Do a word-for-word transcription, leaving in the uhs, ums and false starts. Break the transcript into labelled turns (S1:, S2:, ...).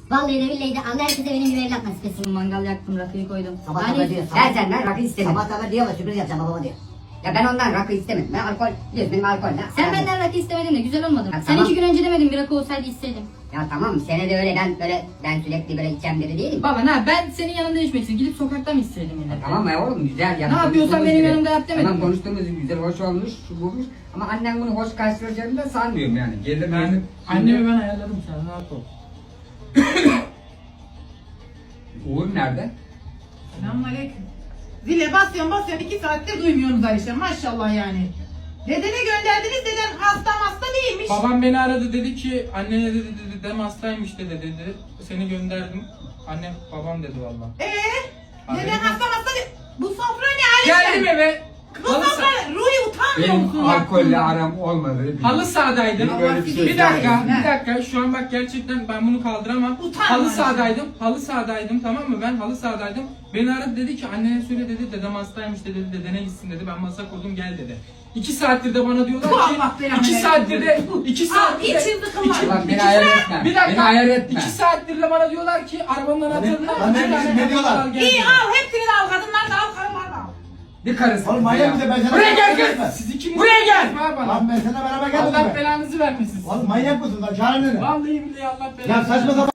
S1: Vallahi de billahi de Allah herkese benim gibi evlat nasip etsin.
S2: Mangal yaktım, rakıyı koydum.
S3: Sabah
S2: Yani
S3: sabah diyor.
S4: Ben senden rakı istemedim.
S3: Sabah sabah diyor ama sürpriz yapacağım babama diyor.
S4: Ya ben ondan rakı istemedim. Ben alkol, biliyorsun benim alkol ne?
S2: sen benden rakı istemedin de güzel olmadı mı?
S4: Ya
S2: Sen
S4: tamam.
S2: iki gün önce demedin bir rakı olsaydı isteydim.
S4: Ya tamam sene de öyle ben böyle ben sürekli böyle içen biri değilim.
S2: Baba ne ben senin yanında içmek gidip sokakta mı isteydim yine?
S4: Tamam ya oğlum güzel ya.
S2: Ne yapıyorsan benim yanımda yap demedim
S4: Tamam
S2: mi?
S4: konuştuğumuz güzel hoş olmuş, şu bulmuş. Ama annem bunu hoş karşılayacağını da sanmıyorum yani. Gelir
S5: Ben,
S4: gelir.
S5: annemi ben ayarladım, sen rahat ol.
S4: Uğur nerede?
S6: Selamünaleyküm. Zile basıyorum basıyorum iki saattir duymuyorsunuz Ayşe maşallah yani. Dedene gönderdiniz, deden hasta hasta değilmiş.
S5: Babam beni aradı, dedi ki annene dedi, dedi dedem hastaymış dedi dedi. Seni gönderdim. Annem babam dedi valla.
S6: Eee? Deden hasta hasta değil. Bu sofra ne Ayşe?
S5: Geldim eve.
S6: Bu
S5: Halı,
S6: sofra
S5: sa-
S6: Ruhi utanmıyor musun?
S7: Benim alkolle aram olmadı.
S5: halı sahadaydım.
S7: Benim böyle bir şey
S5: Bir dakika,
S6: yok.
S5: bir dakika. Şu an bak gerçekten ben bunu kaldıramam.
S6: Utanma
S5: Halı
S6: Ayşe.
S5: sahadaydım. Halı sahadaydım, tamam mı? Ben halı sahadaydım. Beni aradı, dedi ki annene söyle dedi, dedem hastaymış dedi, dedene gitsin dedi. Ben masa kurdum, gel dedi. İki saattir de bana diyorlar
S6: Bu
S5: ki
S6: Allah belanı
S5: iki
S6: versin.
S5: saattir de iki
S6: Aa,
S5: saattir de
S6: içim tıkılmadı.
S5: iki-
S7: Bak beni
S5: iki
S7: ayar
S5: saat-
S7: etme.
S5: Bir dakika.
S7: Beni ayar etme.
S5: İki saattir de bana diyorlar ki arabanın anahtarını al.
S7: Anne,
S5: iki tane
S7: ne diyorlar?
S5: al, gel
S6: İyi
S5: diyorlar.
S6: al hepsini de al, kadınlar da al, karılar da al.
S7: Bir karısı. Oğlum manyak mısın ben sana?
S5: Buraya gel
S7: beraber
S5: kız. Siz ikiniz
S7: Buraya gel.
S5: Var bana.
S7: Lan ben sana beraber gelmedim
S5: Allah
S7: mi?
S5: belanızı vermesin.
S7: Oğlum manyak mısın lan? Çağırın beni.
S5: Vallahi billahi Allah belanızı
S7: Ya saçma sapan.